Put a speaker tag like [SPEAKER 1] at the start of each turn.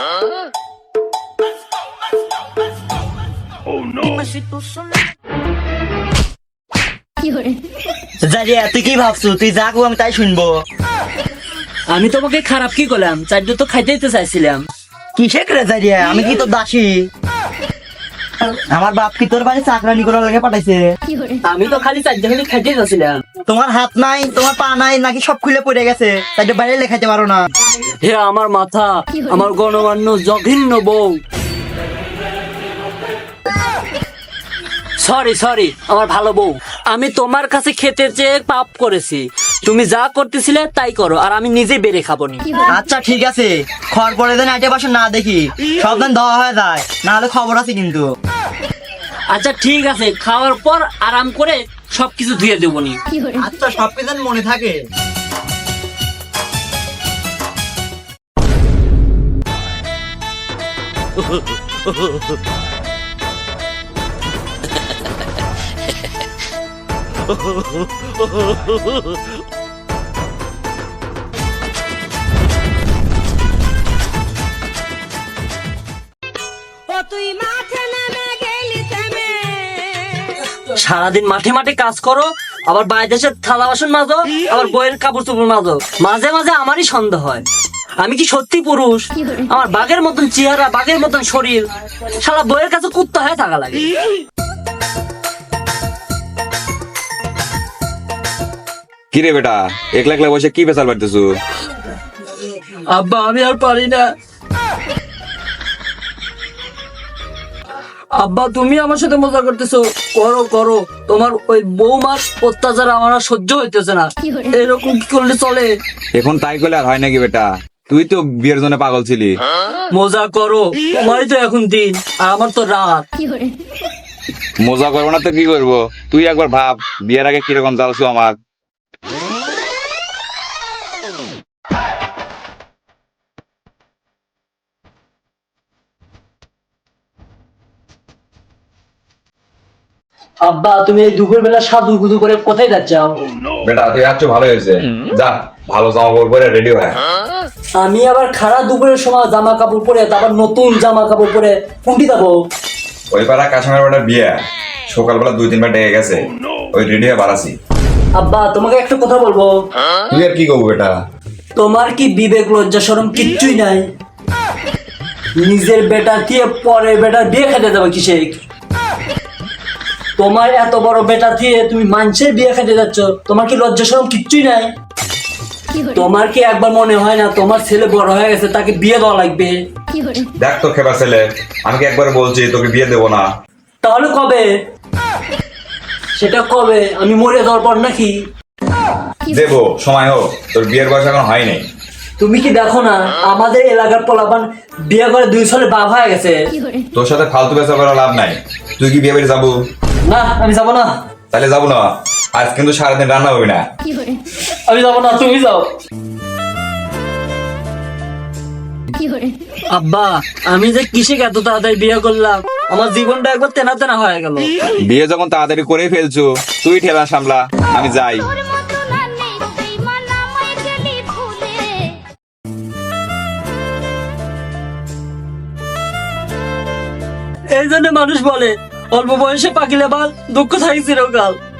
[SPEAKER 1] জারিয়া তুই কি ভাবছো? তুই যা কো আমি তাই শুনবো।
[SPEAKER 2] আমি তোমাকে খারাপ কি করলাম? চারটে তো খাইতে দিতে চাইছিলাম।
[SPEAKER 1] কিসে করে জারিয়া? আমি কি তোর দাসী? আমার বাপ কি তোর বাড়ি চাকরানি করার লাগে পাঠাইছে?
[SPEAKER 2] আমি তো খালি চারটে খালি খাইতে চাইছিলাম।
[SPEAKER 1] তোমার হাত নাই, তোমার পা নাই, নাকি সব খুলে পড়ে গেছে? চারটে বাইরে লেখাইতে পারো না?
[SPEAKER 2] হে আমার মাথা, আমার গণমান্য জঘন্য বউ। সরি আমার ভালো বউ, আমি তোমার কাছে খেতে চেয়ে পাপ করেছি। তুমি যা করতেছিলে তাই করো, আর আমি নিজে বেড়ে খাবো নি।
[SPEAKER 1] আচ্ছা ঠিক আছে, খড় পরে দেন আইটে বাসন না দেখি সব দিন দেওয়া হয়ে যায়, না হলে খবর আছে কিন্তু।
[SPEAKER 2] আচ্ছা ঠিক আছে, খাওয়ার পর আরাম করে সবকিছু ধুয়ে দেবো নি।
[SPEAKER 1] আচ্ছা সব কিছু মনে থাকে।
[SPEAKER 2] সারাদিন মাঠে মাঠে কাজ করো, আবার বাইরে এসে থালা বাসন মাজো, আবার বইয়ের কাপড় চোপড় মাজো। মাঝে মাঝে আমারই সন্দেহ হয়, আমি কি সত্যি পুরুষ? আমার বাঘের মতন চেহারা, বাঘের মতন শরীর, সারা বইয়ের কাছে কুত্তা হয়ে থাকা লাগে।
[SPEAKER 3] কি রে বেটা, একলা একলা বসে কি পেশাল পারতেছু?
[SPEAKER 2] আব্বা আমি আর পারি না। আব্বা তুমি আমার সাথে মজা করতেছো? করো করো, তোমার ওই বৌমার অত্যাচার আমার আর সহ্য হইতেছে না। এরকম কি করলে চলে?
[SPEAKER 3] এখন তাই করলে আর হয় নাকি বেটা? তুই তো বিয়ের জন্য পাগল ছিলি।
[SPEAKER 2] মজা করো, তোমারই তো এখন দিন আর আমার তো রাত।
[SPEAKER 3] মজা করবো না তো কি করবো? তুই একবার ভাব, বিয়ের আগে কিরকম জ্বালছু আমার।
[SPEAKER 2] আব্বা তুমি এই দুপুর বেলা সাধু গুদু করে কোথায় যাচ্ছ?
[SPEAKER 3] বেটা তুই আছো ভালো হয়েছে, যা ভালো জামা কাপড় পরে রেডি হয়ে।
[SPEAKER 2] আমি আবার খারাপ দুপুরের সময় জামা কাপড় পরে, তারপর নতুন জামা কাপড় পরে কুন্টি যাবো?
[SPEAKER 3] ওই পাড়া কাশ্মীর বেটার বিয়ে, সকালবেলা 2-3 বার ডেকে গেছে, ওই রেডি হয়ে বাড়াছি।
[SPEAKER 2] আব্বা তোমাকে একটা কথা বলবো।
[SPEAKER 3] তুই আর কি করবো বেটা?
[SPEAKER 2] তোমার কি বিবেক লজ্জা শরম কিচ্ছুই নাই? নিজের বেটা দিয়ে পরের বেটার বিয়ে খেতে যাবে কিসে? তোমার এত বড় বেটা দিয়ে তুমি মানুষের বিয়ে খেতে যাচ্ছ, তোমার কি লজ্জা শরম কিচ্ছুই নাই? তোমার কি একবার মনে হয় না তোমার ছেলে বড় হয়ে গেছে, তাকে বিয়ে দেওয়া লাগবে?
[SPEAKER 3] দেখ তো খেবা ছেলে, আমি কি একবার বলছি তোকে বিয়ে দেবো না?
[SPEAKER 2] তাহলে কবে? সেটা কবে? আমি মরে যাওয়ার পর নাকি?
[SPEAKER 3] দেবো, সময় হোক, তোর বিয়ের বয়স এখন হয়নি।
[SPEAKER 2] তুমি কি দেখো না আমাদের এলাকার পোলাপান বিয়ে করে 2 সালে বাপ হয়ে গেছে?
[SPEAKER 3] তোর সাথে ফালতু বেচা করা লাভ নাই। তুই কি বিয়ে বাড়ি যাবো?
[SPEAKER 2] না আমি যাবো না।
[SPEAKER 3] তাহলে যাবো না, আজ কিন্তু সারাদিন রান্না হবে না।
[SPEAKER 2] আমি যাবো না, তুমি যাও। আব্বা আমি যে কিসে এত তাড়াতাড়ি বিয়ে করলাম, আমার জীবনটা একবার তেনা তেনা হয়ে গেল।
[SPEAKER 3] বিয়ে যখন তাড়াতাড়ি করে ফেলছো, তুই ঠেলা সামলা, আমি যাই।
[SPEAKER 2] এই জন্য মানুষ বলে অল্প বয়সে পাকিলে বাল, দুঃখ থাকে চিরকাল।